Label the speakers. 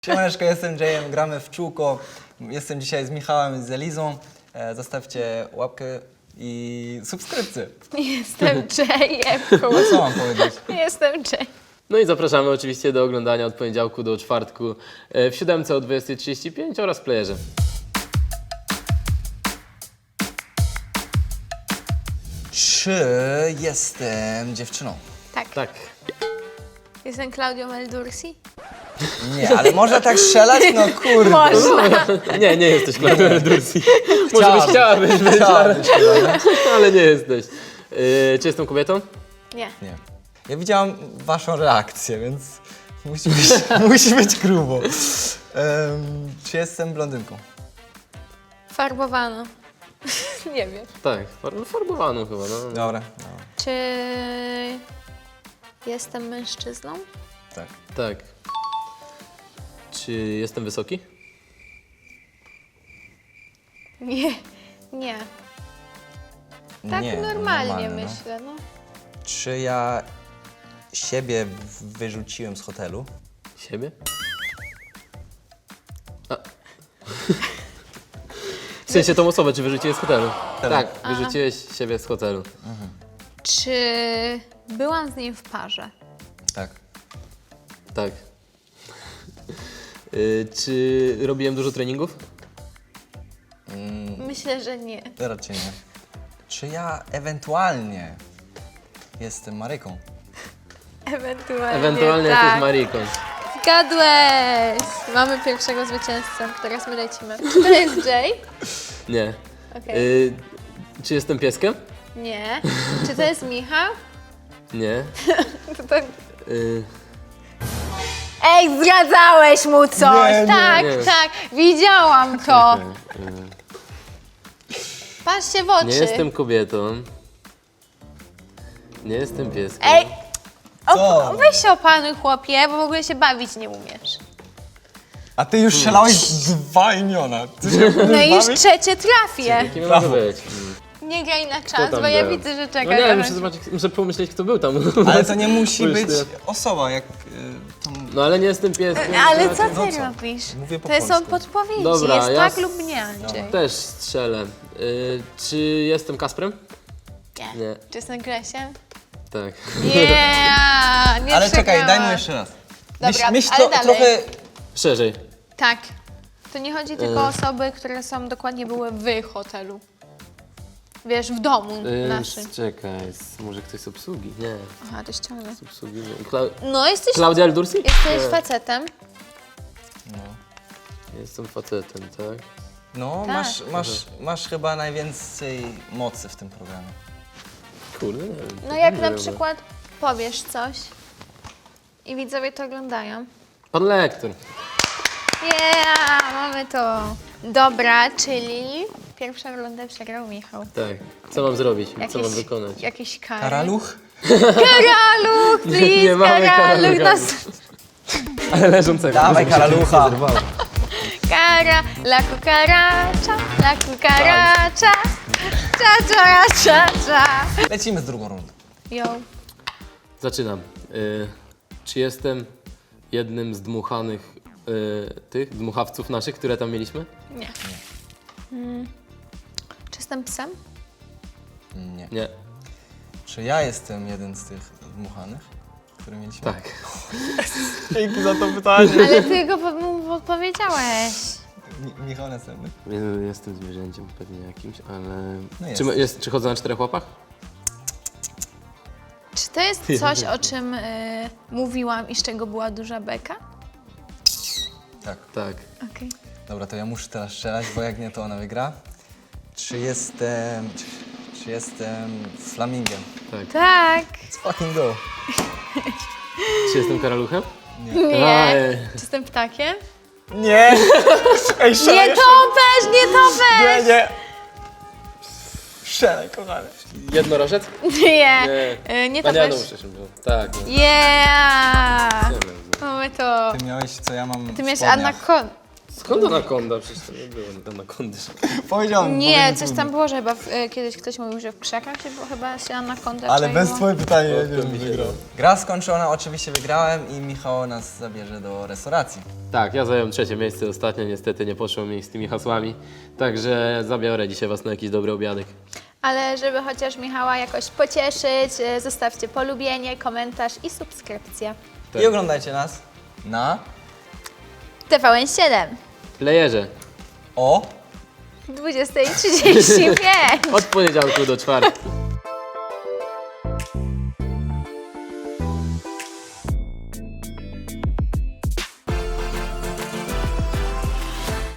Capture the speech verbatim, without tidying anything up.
Speaker 1: Siemaneczko, jestem Jayem, gramy w czółko. Jestem dzisiaj z Michałem i z Elizą. E, zostawcie łapkę i subskrypcję.
Speaker 2: Jestem Jayem.
Speaker 1: A co mam powiedzieć?
Speaker 2: Jestem Jay.
Speaker 3: No i zapraszamy oczywiście do oglądania od poniedziałku do czwartku e, w siódemce o dwudziestej trzydzieści pięć oraz w playerze.
Speaker 1: Czy jestem dziewczyną?
Speaker 2: Tak.
Speaker 3: Tak.
Speaker 2: Jestem Claudią Meldursi.
Speaker 1: Nie, ale można tak strzelać? No kurde.
Speaker 2: Można.
Speaker 3: Nie, nie jesteś Claudia Meldursi. Może
Speaker 1: Chciałabym.
Speaker 3: byś chciałabyś być, ale,
Speaker 1: Chciałabym się, ale
Speaker 3: ale nie jesteś. E, czy jestem kobietą?
Speaker 2: Nie.
Speaker 1: nie. Ja widziałam waszą reakcję, więc musi być, musi być grubo. Um, czy jestem blondynką?
Speaker 2: Farbowano. Nie wiem.
Speaker 3: Tak, far- farbowaną chyba. No.
Speaker 1: Dobra, dobra.
Speaker 2: Czy jestem mężczyzną?
Speaker 1: Tak.
Speaker 3: Tak. Czy jestem wysoki?
Speaker 2: Nie. Nie. Tak
Speaker 1: nie,
Speaker 2: normalnie
Speaker 1: no.
Speaker 2: myślę, no.
Speaker 1: Czy ja siebie wyrzuciłem z hotelu?
Speaker 3: Siebie? A. W sensie tą osobę, czy wyrzuciłeś z hotelu? Tak, wyrzuciłeś siebie z hotelu.
Speaker 2: Czy byłam z nim w parze?
Speaker 1: Tak.
Speaker 3: Tak. Y, czy robiłem dużo treningów?
Speaker 2: Myślę, że nie.
Speaker 1: Raczej nie. Czy ja ewentualnie jestem Maryką?
Speaker 2: Ewentualnie.
Speaker 3: Ewentualnie
Speaker 2: tak.
Speaker 3: jesteś Mariką.
Speaker 2: Zgadłeś! Mamy pierwszego zwycięzcę. Teraz my lecimy. Czy to jest Jay?
Speaker 3: Nie.
Speaker 2: Okej.
Speaker 3: Y, czy jestem pieskiem?
Speaker 2: Nie. Czy to jest Michał?
Speaker 3: Nie.
Speaker 2: To to...
Speaker 3: Y,
Speaker 2: Ej, zdradzałeś mu coś!
Speaker 1: Nie, nie,
Speaker 2: tak,
Speaker 3: nie.
Speaker 2: tak, widziałam to.
Speaker 3: y,
Speaker 2: Patrzcie w oczy.
Speaker 3: nie jestem kobietą. Nie jestem pieskiem.
Speaker 2: Ej,
Speaker 1: Co?
Speaker 2: o, weź się opanuj, chłopie, bo w ogóle się bawić nie umiesz.
Speaker 1: A ty już strzelałeś dwa imiona. Ty się
Speaker 2: No i już
Speaker 1: bawisz?
Speaker 2: trzecie trafię.
Speaker 3: Kim mogę być? Mm.
Speaker 2: Nie graj na czas,
Speaker 3: tam
Speaker 2: bo ja
Speaker 3: był?
Speaker 2: widzę, że
Speaker 3: No
Speaker 2: czekasz.
Speaker 3: nie, muszę zobaczyć, muszę pomyśleć, kto był tam.
Speaker 1: Ale to nie musi
Speaker 3: Już
Speaker 1: być
Speaker 3: ty.
Speaker 1: osoba, jak... y, tam...
Speaker 3: No ale nie jestem pieskiem.
Speaker 2: Ale co
Speaker 1: No
Speaker 2: ty
Speaker 1: co?
Speaker 2: robisz?
Speaker 1: Mówię po
Speaker 2: To są
Speaker 1: polsku.
Speaker 2: podpowiedzi,
Speaker 3: Dobra,
Speaker 2: jest
Speaker 3: ja
Speaker 2: tak
Speaker 3: s-
Speaker 2: lub nie, Andrzej.
Speaker 3: Też strzelę. Y, czy jestem Kasprem?
Speaker 2: Nie.
Speaker 3: Nie.
Speaker 2: Czy jestem Gresiem?
Speaker 3: Tak.
Speaker 2: Yeah, nie
Speaker 1: Ale czekaj, daj mu
Speaker 2: przegrałam.
Speaker 1: jeszcze raz.
Speaker 2: Dobra,
Speaker 1: myśl, myśl
Speaker 2: ale
Speaker 1: to,
Speaker 2: dalej.
Speaker 1: trochę...
Speaker 3: Szerzej.
Speaker 2: Tak. To nie chodzi tylko
Speaker 3: E.
Speaker 2: o osoby, które są dokładnie były w hotelu. Wiesz, w domu
Speaker 3: Y,
Speaker 2: naszym.
Speaker 3: Czekaj, s- może ktoś z obsługi? Nie,
Speaker 2: Aha, to ściągnę.
Speaker 3: z obsługi nie. Kla
Speaker 2: No, jesteś,
Speaker 3: Klaudia Eldursi?
Speaker 2: jesteś
Speaker 3: Nie.
Speaker 2: facetem.
Speaker 1: No,
Speaker 3: Jestem facetem, tak?
Speaker 1: no
Speaker 2: Tak.
Speaker 1: masz, masz, masz chyba najwięcej mocy w tym programie.
Speaker 3: Kurde, nie wiem.
Speaker 2: No jak
Speaker 3: nie
Speaker 2: na
Speaker 3: wiem.
Speaker 2: przykład powiesz coś i widzowie to oglądają.
Speaker 3: Pan lektor.
Speaker 2: Yeah, mamy to. Dobra, czyli pierwszą rundę przegrał Michał.
Speaker 3: Tak. Co mam zrobić? Co mam wykonać?
Speaker 2: Jakieś kary.
Speaker 1: Karaluch?
Speaker 2: Karaluch, please,
Speaker 3: Nie mamy
Speaker 2: karaluch.
Speaker 3: karalucha.
Speaker 2: Nas...
Speaker 3: Ale leżącego.
Speaker 1: Dawaj karalucha!
Speaker 2: Kara, la cucaracha, la cucaracha. Cza, cza, cza, cza.
Speaker 1: Lecimy z drugą rundą.
Speaker 2: Yo.
Speaker 3: Zaczynam. Y, czy jestem jednym z dmuchanych y, tych dmuchawców naszych, które tam mieliśmy?
Speaker 2: Nie. Mm. Czy jestem psem?
Speaker 1: Nie.
Speaker 3: Nie.
Speaker 1: Czy ja jestem jeden z tych dmuchanych, który mieliśmy?
Speaker 3: Tak.
Speaker 1: Dzięki za to pytanie.
Speaker 2: Ale ty go po- mu odpowiedziałeś.
Speaker 1: Mi- Michał następny.
Speaker 3: Nie, Jestem zwierzęciem pewnie jakimś, ale...
Speaker 1: No
Speaker 3: czy,
Speaker 1: jesteś.
Speaker 3: jest, czy chodzę na czterech łapach?
Speaker 2: Czy to jest coś, o czym y, mówiłam i z czego była duża beka?
Speaker 1: Tak.
Speaker 3: Tak.
Speaker 2: Okej.
Speaker 1: Dobra, to ja muszę teraz strzelać, bo jak nie, to ona wygra. Czy jestem... Czy, czy jestem flamingiem?
Speaker 3: Tak.
Speaker 2: Tak.
Speaker 1: Let's fucking go.
Speaker 3: Czy jestem karaluchem?
Speaker 2: Nie.
Speaker 3: Aj.
Speaker 2: Czy jestem ptakiem?
Speaker 1: Nie! Ej,
Speaker 2: Nie topesz, nie topesz!
Speaker 1: nie! Strzelaj, kochany.
Speaker 3: Jednorożec?
Speaker 2: Nie.
Speaker 3: Nie.
Speaker 2: Y, nie
Speaker 3: A nie, no
Speaker 2: topesz.
Speaker 3: muszę się Tak.
Speaker 2: Yeah.
Speaker 3: Nie.
Speaker 2: Mamy to.
Speaker 1: Ty miałeś, co ja mam
Speaker 2: Ty
Speaker 1: w
Speaker 2: miałeś
Speaker 1: spodniach.
Speaker 2: anakon.
Speaker 3: Skąd anakonda? Przecież to nie było anakondy.
Speaker 1: Powiedziałem.
Speaker 2: Nie,
Speaker 1: powiedziałem
Speaker 2: coś
Speaker 1: tu.
Speaker 2: tam było, że chyba w, e, kiedyś ktoś mówił, że w krzakach się, bo chyba się anakonda
Speaker 1: Ale
Speaker 2: czaiło.
Speaker 1: bez twoje pytanie
Speaker 3: O,
Speaker 1: ja
Speaker 3: to
Speaker 1: nie wiem,
Speaker 3: mi się
Speaker 1: wygrał.
Speaker 3: da.
Speaker 1: Gra skończona, oczywiście wygrałem i Michał nas zabierze do restauracji.
Speaker 3: Tak, ja zająłem trzecie miejsce ostatnio, niestety nie poszło mi z tymi hasłami. Także zabiorę dzisiaj was na jakiś dobry obiadek.
Speaker 2: Ale żeby chociaż Michała jakoś pocieszyć, e, zostawcie polubienie, komentarz i subskrypcję.
Speaker 3: Tak.
Speaker 1: I oglądajcie nas na
Speaker 2: T V N siedem,
Speaker 3: Playerze.
Speaker 1: o
Speaker 2: dwudziesta trzydzieści pięć.
Speaker 3: Od poniedziałku do czwartku.